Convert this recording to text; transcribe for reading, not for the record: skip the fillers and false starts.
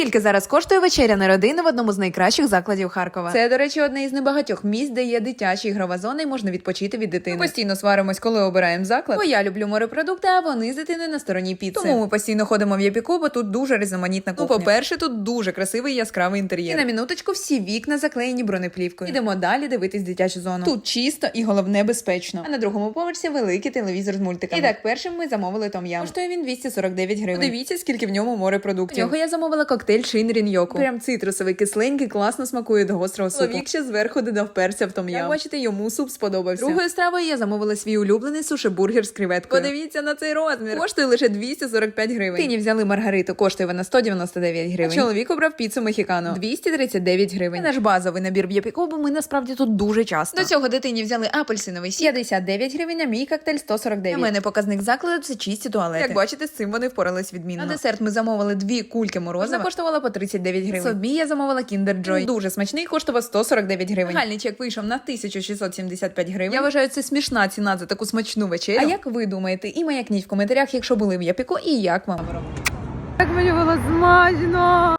Скільки зараз коштує вечеря на родину в одному з найкращих закладів Харкова? Це, до речі, одне із небагатьох місць, де є дитяча ігрова зона і можна відпочити від дитини. Ми постійно сваримось, коли обираємо заклад. Бо я люблю морепродукти, а вони з дитини на стороні піци. Тому ми постійно ходимо в Япіку, бо тут дуже різноманітна кухня. По-перше, тут дуже красивий яскравий інтер'єр. І на минуточку всі вікна заклеєні бронеплівкою. Ідемо далі дивитись дитячу зону. Тут чисто і головне безпечно. А на другому поверсі великий телевізор з мультиками. І так, першим ми замовили том-ям. Коштує він 249 гривень. Подивіться, скільки в ньому морепродуктів. В нього я замовила коктейль Шинрін Йоку. Прям цитрусовий, кисленький, класно смакує до гострого супу. Чоловік ще зверху додав перця в том-ям. Як бачите, йому суп сподобався. Другою стравою я замовила свій улюблений суші-бургер з креветкою. Подивіться на цей розмір. Коштує лише 245 гривень. Тині взяли маргариту, коштує вона 199 гривень. А чоловік обрав піцу мехікано. 239 гривень. Це наш базовий набір в Япіку, бо ми насправді тут дуже часто. До цього дитині взяли апельсиновий сік 59 гривень, а мій коктейль 149. У мене показник закладу – це чисті туалети. Як бачите, з цим вони впорались відмінно. На десерт ми замовили 2 кульки морозива. Вона коштувала по 39 гривень. Собі я замовила Kinder Joy. Дуже смачний, коштував 149 гривень. Загальний чек вийшов на 1675 гривень. Я вважаю, це смішна ціна за таку смачну вечерю. А як ви думаєте? І маякніть в коментарях, якщо були в Япіку, і як вам. Як мені було смачно!